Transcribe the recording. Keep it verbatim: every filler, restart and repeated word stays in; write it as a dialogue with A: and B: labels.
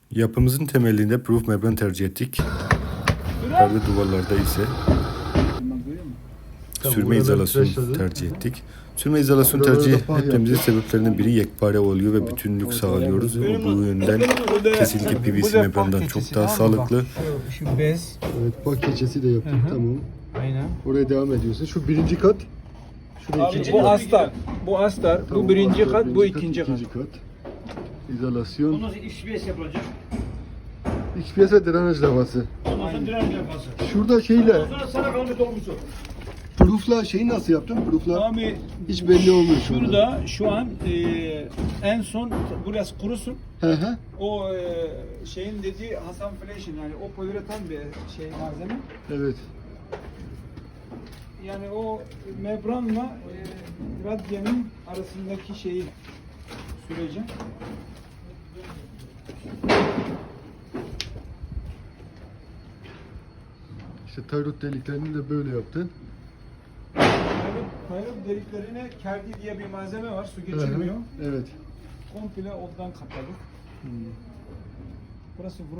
A: Yapımızın temelinde proof membran tercih ettik. Perde duvarlarda ise sürme izolasyon tercih ettik. Sürme izolasyon tercih etmemizin sebeplerinden biri yekpare oluyor ve bütünlük sağlıyoruz. Bu yönden kesinlikle P V C membrandan çok daha sağlıklı.
B: Şu bez.
C: Evet, bak keçesi de yaptık.
B: Hı hı.
C: Tamam.
B: Aynen.
C: Oraya devam ediyorsun. Şu birinci kat. Şurada
B: Abi,
C: ikinci
B: bu
C: kat.
B: astar. Bu astar.
C: Tamam,
B: bu birinci
C: astar,
B: kat, bu ikinci kat.
C: ikinci kat. İzolasyon.
D: Ondan sonra X P S yapılacak.
C: X P S ve drenaj lavası.
D: Ondan sonra direnç yapması.
C: Şurada şeyle,
D: Ondan sonra sana kalan bir dolmuşu.
C: proofla şeyi nasıl yaptın? Proofla
B: Abi
C: hiç belli olmuyor şurada.
B: şurada şu an e, en son burası kurusun.
C: Hı hı.
B: O e, şeyin dediği Hasan Flash'in yani o poliüretan bir şey malzeme.
C: Evet.
B: Yani o membranla e, radyanın arasındaki şeyi süreci.
C: İşte tayrot deliklerini de böyle yaptın.
B: Kayrot deliklerine kerdi diye bir malzeme var. Su
C: Hı hı.
B: geçirmiyor.
C: Evet.
B: Komple ondan kapladık. Burası